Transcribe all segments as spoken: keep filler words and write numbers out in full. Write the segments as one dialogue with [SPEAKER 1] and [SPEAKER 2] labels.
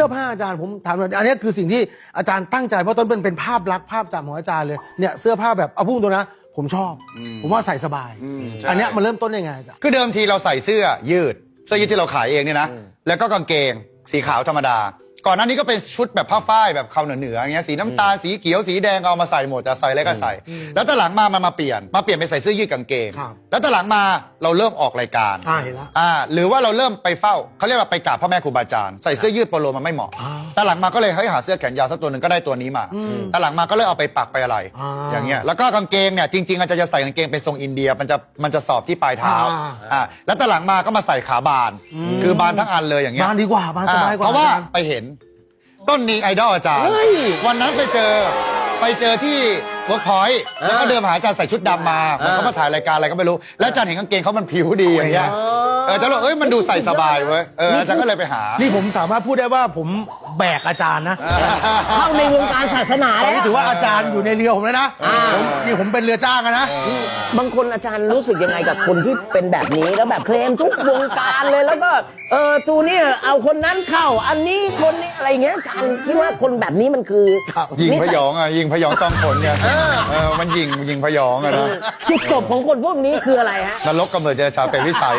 [SPEAKER 1] สื้อผ้าอาจารย์ผมถามหน่อยอันนี้คือสิ่งที่อาจารย์ตั้งใจเพราะต้นเป็นเป็นภาพลักษณ์ภาพจำของอาจารย์เลยเนี่ยเสื้อผ้าแบบเอาพุ่งตัวนะผมชอบผมว่าใส่สบายอันนี้มันเริ่มต้นยังไงอาจารย์
[SPEAKER 2] คือเดิมทีเราใส่เสื้อยืดเสื้อยืดที่เราขายเองเนี่ยนะแล้วก็กางเกงสีขาวธรรมดาก่อนหน้านี้ก็เป็นชุดแบบผ้าฝ้ายแบบเขาเหนือๆอย่างเงี้ยสีน้ำตาลสีเขียวสีแดงเอามาใส่หมดจะใส่อะไรก็ใส่แล้วตอนหลังมามันมาเปลี่ยนมาเปลี่ยนไปใส่เสื้อยืดกางเกงแล้วตอนหลังมาเราเริ่มออกรายการ
[SPEAKER 1] อ่าเห็นแล้ว
[SPEAKER 2] อ่าหรือว่าเราเริ่มไปเฝ้าเขาเรียกว่าไปกราบพ่อแม่ครูบาอาจารย์ใส่เสื้อยืดโปโลมันไม่เหมาะตอนหลังมาก็เลยเฮ้ยหาเสื้อแขนยาวสักตัวหนึ่งก็ได้ตัวนี้มาตอนหลังมาก็เลยเอาไปปักไปอะไรอย่างเงี้ยแล้วก็กางเกงเนี่ยจริงๆอาจารย์จะใส่กางเกงเป็นทรงอินเดียมันจะมันจะสอบที่ปลายเท้าอ่าแล้วตอนหลังมาก็มาใส่ขาบานคือบานทั้งอันเลยอย่างเงี้ย
[SPEAKER 1] บานดีกว่าบานสบายกว่า
[SPEAKER 2] เพราะว่าไปเห็นต้นนี้ไอดอลอาจารย์วันนั้นไปเจอไปเจอที่เวิร์กพอยต์แล้วก็เดินมาหาอาจารย์ใส่ชุดดำมาเขามาถ่ายรายการอะไรก็ไม่รู้แล้วอาจารย์เห็นกางเกงเขามันผิวดีอย่างเงี้ยเอออาจารย์บอกเอ้ยมันดูใส่สบายเว้ยเอออาจารย์ก็เลยไปหา
[SPEAKER 1] นี่ผมสามารถพูดได้ว่าผมแบกอาจารย์นะ
[SPEAKER 3] เข้าในวงการศาสนาแล้ว
[SPEAKER 1] ถือว่าอาจารย์อยู่ในเรือผมแล้วนะนี่ผมเป็นเรือจ้างนะ
[SPEAKER 3] บางคนอาจารย์รู้สึกยังไงกับคนที่เป็นแบบนี้แล้วแบบเคลมทุกวงการเลยแล้วก็เออตูนี่เอาคนนั้นเข้าอันนี้คนนี้อะไรเงี้ยอาจารย์คิดว่าคนแบบนี้มันคือ
[SPEAKER 2] ยิงพยองอ่ะยิงพยองจองผลเนี่ยเออมันยิงยิงพยองอ่ะนะ
[SPEAKER 3] จุดจบของคนพวกนี้คืออะไรฮะ
[SPEAKER 2] นรกกำเนิดเจรชาเป็นวิสัย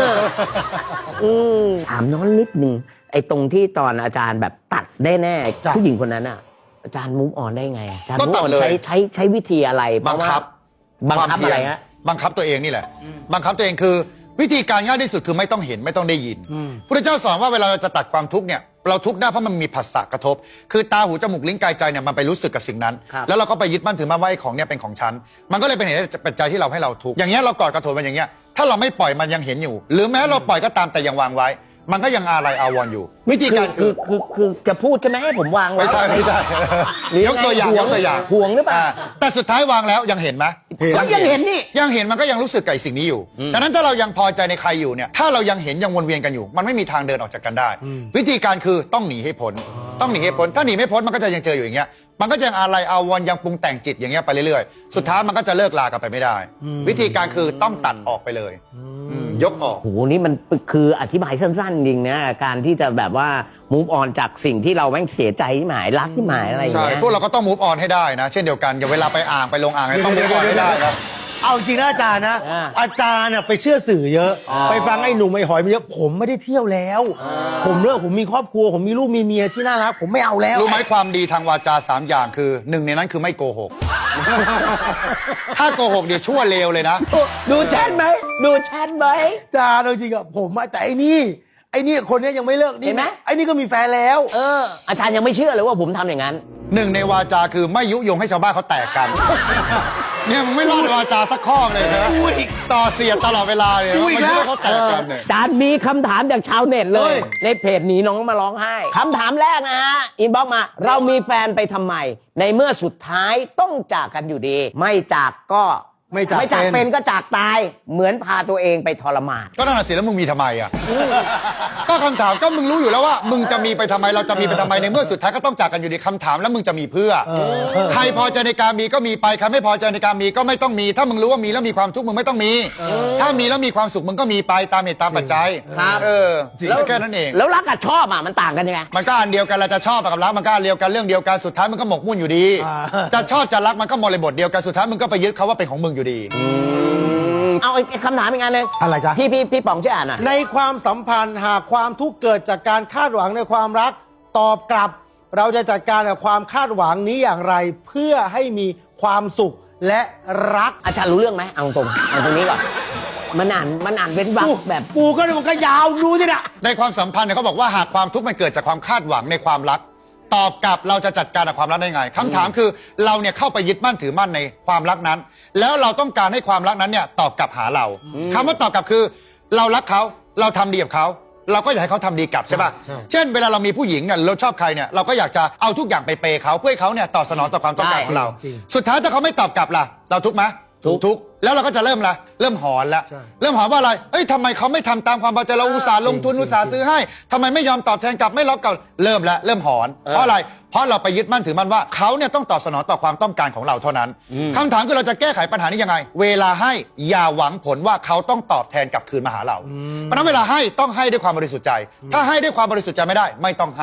[SPEAKER 3] ถามน้องนิดนึงไอ้ตรงที่ตอนอาจารย์แบบตัดได้แน่ผู้หญิงคนนั้นอ่ะอาจารย์มูฟออนได้ไงอาจารย์มูฟออนใช้ใช้ใช้วิธีอะไร
[SPEAKER 2] บังคับ
[SPEAKER 3] บังคับอะไรฮะ
[SPEAKER 2] บังคับตัวเองนี่แหละบังคับตัวเองคือวิธีการง่ายที่สุดคือไม่ต้องเห็นไม่ต้องได้ยินพระเจ้าสอนว่าเวลาเราจะตัดความทุกข์เนี่ยเราทุกข์ได้เพราะมันมีผัสสะกระทบคือตาหูจมูกลิ้นกายใจเนี่ยมันไปรู้สึกกับสิ่งนั้นแล้วเราก็ไปยึดมั่นถือมั่นว่าไอ้ของเนี่ยเป็นของฉันมันก็เลยเป็นเหตุปัจจัยที่เราให้เราทุกข์อย่างเงี้ยเรากอดกระโถนมันอย่างเงี้ยถ้าเราไม่ปล่อยมันยังเห็นอยู่หรือแม้เราปล่อยก็ตามแต่ยังวางไว้มันก็ยังอะไรอาวรอยู่วิธีการ
[SPEAKER 3] คือคือคือจะพูดใช่ไหมให้ผมวางไว้
[SPEAKER 2] ไม่ใช่ไม่ใช่ยกตัวอย่างยกตัวอย่าง
[SPEAKER 3] ห่วงหรือเปล่า
[SPEAKER 2] แต่สุดท้ายวางแล้วยังเห็นไหม
[SPEAKER 3] ยังเห็นนี่
[SPEAKER 2] ยังเห็นมันก็ยังรู้สึกกับสิ่งนี้อยู่ดังนั้นถ้าเรายังพอใจในใครอยู่เนี่ยถ้าเรายังเห็นยังวนเวียนกันอยู่มันไม่มีทางเดินออกจากกันได้วิธีการคือต้องหนีให้พ้นต้องหนีให้พ้นถ้าหนีไม่พ้นมันก็จะยังเจออยู่อย่างเงี้ยมันก็ยังอะไรอาวรยังปรุงแต่งจิตอย่างเงี้ยไปเรื่อยๆสุดท้ายมันก็จะเลิกลากันไปไม่ได้วิธีการคือต้องตัดออกไปเลยยกออก
[SPEAKER 3] โหนี่มันคืออธิบายสั้นๆจริงนะการที่จะแบบว่า move on จากสิ่งที่เราแม่งเสียใจที่หมายรักที่หมายอะไรอย่างเงี้ย
[SPEAKER 2] ใช่พวกเราก็ต้อง move on ให้ได้นะเช่นเดียวกันอย่าเวลาไปอ่างไปลงอ่างต้อง move on ให้ได้ครับ
[SPEAKER 1] เอาจริงนะอาจารย์นะอาจารย์ไปเชื่อสื่อเยอะไปฟังไอ้หนุ่มไอ้หอยมาเยอะผมไม่ได้เที่ยวแล้วผมเลิกผมมีครอบครัวผมมีลูกมีเมียที่น่ารักผมไม่เอาแล้ว
[SPEAKER 2] รู้ไหมความดีทางวาจาสามอย่างคือหนึ่งในนั้นคือไม่โกหกถ้าโกหกเดี๋ยวชั่วเลวเลยนะ
[SPEAKER 3] ดูแชทไหมดูแชทไหม
[SPEAKER 1] อาจารย์จริงอะผมแต่ไอ้นี่ไอ้นี่คนนี้ยังไม่เลิกนี่ไหมไอ้นี่ก็มีแฟนแล้ว
[SPEAKER 3] เอออาจารย์ยังไม่เชื่อเลยว่าผมทำอย่างนั้น
[SPEAKER 2] หนึ่งในวาจาคือไม่ยุยงให้ชาวบ้านเขาแตกกันเนี่ยมึงไม่รอดวาจาสักข้อเลยนะต่อเสียดตลอดเวลาเลยไม่ยุให้เขาแตกกันเนี่ย
[SPEAKER 3] อาจารย์มีคำถามจากชาวเน็ตเลยในเพจหนีน้องมาร้องไห้คำถามแรกนะฮะอินบ็อกซ์มาเรามีแฟนไปทำไมในเมื่อสุดท้ายต้องจากกันอยู่ดีไม่จากก็
[SPEAKER 1] ไม่จาก
[SPEAKER 3] ไม่จากเป็นก็จากตายเหมือนพาตัวเองไปทรมาน
[SPEAKER 2] ก็นั่นแหละสิแล้วมึงมีทำไมอ่ะก็คำถามก็มึงรู้อยู่แล้วว่ามึงจะมีไปทำไมเราจะมีไปทำไมในเมื่อสุดท้ายก็ต้องจากกันอยู่ดีคำถามแล้วมึงจะมีเพื่อใครพอใจในการมีก็มีไปใครไม่พอใจในการมีก็ไม่ต้องมีถ้ามึงรู้ว่ามีแล้วมีความทุกข์มึงไม่ต้องมีถ้ามีแล้วมีความสุขมึงก็มีไปตามเหตุตามปัจจัยเออแค่นั้นเอง
[SPEAKER 3] แล้วรักกับชอบอ่ะมันต่างกันยังไง
[SPEAKER 2] มันก็อันเดียวกันเราจะชอบกับรักมันก็อันเดียวกันเรื่องเดียวกันสุดท้ายมันก็หมกมุ่นอยู่ดีจะชอบจะรักมันก็บริบทเดียวกันสุดท้ายมึงก็ไปยึดเขาว่าเป็นของมึงอยู่ดี
[SPEAKER 3] เอาไอ้คำถามอีกงานหนึ่ง
[SPEAKER 1] อะไรจ๊ะ
[SPEAKER 3] พี่พี่พี่ป๋องช่วยอ่านหน่อย
[SPEAKER 1] ในความสัมพันธ์หากความทุกข์เกิดจากการคาดหวังในความรักตอบกลับเราจะจัดการกับความคาดหวังนี้อย่างไรเพื่อให้มีความสุขและรัก
[SPEAKER 3] อาจารย์รู้เรื่องไหมเอาตรงเอาตรงนี้ก่อนมันอ่านมันอ่านเป็นวรรคแบบ
[SPEAKER 1] ปูก็มันก็ยาวดูสินะ
[SPEAKER 2] ในความสัมพันธ์เนี่ยเขาบอกว่าหากความทุกข์มันเกิดจากความคาดหวังในความรักตอบกลับเราจะจัดการกับความรักได้ไงคำถามคือเราเนี่ยเข้าไปยึดมั่นถือมั่นในความรักนั้นแล้วเราต้องการให้ความรักนั้นเนี่ยตอบกลับหาเราคำว่าตอบกลับคือเรารักเขาเราทำดีกับเขาเราก็อยากให้เขาทำดีกลับใช่ป่ะเช่นเวลาเรามีผู้หญิงเนี่ยเราชอบใครเนี่ยเราก็อยากจะเอาทุกอย่างไปเปย์เขาเพื่อให้เขาเนี่ยตอบสนองต่อความต้องการของเราสุดท้ายถ้าเขาไม่ตอบกลับล่ะเราทุกข์ไหมทุกข์แล้วเราก็จะเริ่มละเริ่มหอนแล้วเริ่มหอนว่าอะไรเอ้ยทำไมเขาไม่ทำตามความพอใจเราอุตส่าห์ลงทุนอุตส่าห์ซื้อให้ทำไมไม่ยอมตอบแทนกลับไม่รับกลับเริ่มแล้วเริ่มหอนเพราะอะไรเพราะเราไปยึดมั่นถือมั่นว่าเขาเนี่ยต้องตอบสนองต่อความต้องการของเราเท่านั้นคำถามคือเราจะแก้ไขปัญหานี้ยังไงเวลาให้อย่าหวังผลว่าเขาต้องตอบแทนกลับคืนมาหาเราเพราะนั้นเวลาให้ต้องให้ด้วยความบริสุทธิ์ใจถ้าให้ด้วยความบริสุทธิ์ใจไม่ได้ไม่ต้องให้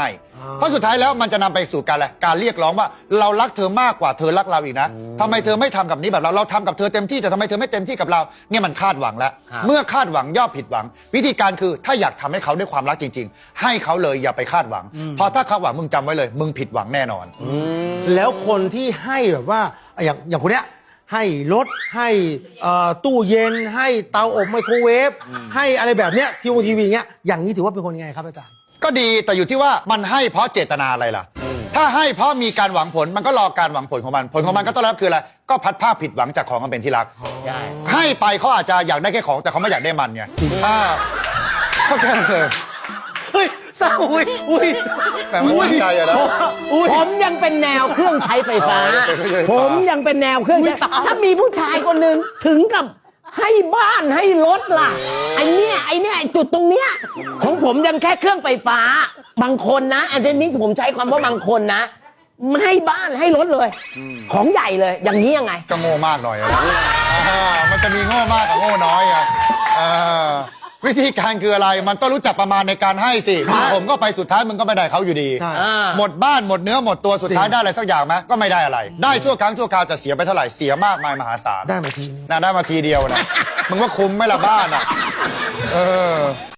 [SPEAKER 2] เพราะสุดท้ายแล้วมันจะนำไปสู่การอะไรการเรียกร้องว่าเรารักเธอมากกว่าเธอรักเราอีกนะทำไมเธอไม่ทำกับนี้แบบเราเราทำกับเธอเต็มที่แต่ทำไมเธอไม่เต็มที่กับเราเนี่ยมันคาดหวังแล้ว
[SPEAKER 3] ครับ
[SPEAKER 2] เมื่อคาดหวังย่อมผิดหวัง วิธีการคือถ้าอยากทำให้เขาด้วยความรักจริง ๆ ให้เขาเลยอย่าไปคาดหวังเพราะถ้าคาดหวังมึงจำไว้เลย มึงผิดหวังแน่นอน
[SPEAKER 1] แล้วคนที่ให้แบบว่าอย่างอย่างคนเนี้ยให้รถให้เอ่อตู้เย็นให้เตาอบไมโครเวฟให้อะไรแบบเนี้ยทีวีทีวีเงี้ยอย่างนี้ถือว่าเป็นคนยังไงครับอาจารย์
[SPEAKER 2] ก็ดีแต่อยู่ที่ว่ามันให้เพราะเจตนาอะไรล่ะ ถ้าให้เพราะมีการหวังผลมันก็รอการหวังผลของมัน ผลของมันก็ต้องรับคืออะไรก็พัดภาพผิดหวังจากของมันเป็นที่รัก
[SPEAKER 3] ใช่
[SPEAKER 2] ให้ไปเขาอาจจะอยากได้แค่ของแต่เขาไม่อยากได้มันไงอ่าก็แค่นั้นเลย
[SPEAKER 1] เฮ้ยเศร้าอุ้ยอุ้ย
[SPEAKER 2] แต่มันตั้งใจอะนะ
[SPEAKER 1] อุ้ย
[SPEAKER 3] ผมยังเป็นแนวเครื่องใช้ไฟฟ้า
[SPEAKER 2] อ๋อเป็นเครื่องใช้ไฟฟ้า
[SPEAKER 3] ผมยังเป็นแนวเครื่องใช้
[SPEAKER 1] อุ๊ยตาย
[SPEAKER 3] ถ้ามีผู้ชายคนหนึ่งถึงกับให้บ้านให้รถล่ะไอเนี้ยไอเนี้ยไอ้จุดตรงเนี้ยของผมยังแค่เครื่องไฟฟ้า บางคนนะอันนี้ผมใช้ความว่าบางคนนะไม่ให้บ้านให้รถเลย ของใหญ่เลย อย่างนี้ยังไง
[SPEAKER 2] ก็โง่มากหน่อยอะนะอ่ามันจะมีโง่มากกับโง่น้อยอะอ่าวิธีการคืออะไร มันต้องรู้จักประมาณในการให้สิผมก็ไปสุดท้ายมึงก็ไม่ได้เขาอยู่ดี
[SPEAKER 1] ใช่
[SPEAKER 3] อ่า
[SPEAKER 2] หมดบ้านหมดเนื้อหมดตัวสุดท้าย
[SPEAKER 1] จริง
[SPEAKER 2] ได้อะไรสักอย่างไหมก็ไม่ได้อะไร ได้ชั่วครั้งชั่วคราวจะเสียไปเท่าไหร่เสียมากมายมหาศาล
[SPEAKER 1] ได้มาทีนึง
[SPEAKER 2] น่าได้มาทีเดียวนะมึงว่าคุ้มไหมล่ะบ้านอ่ะเออ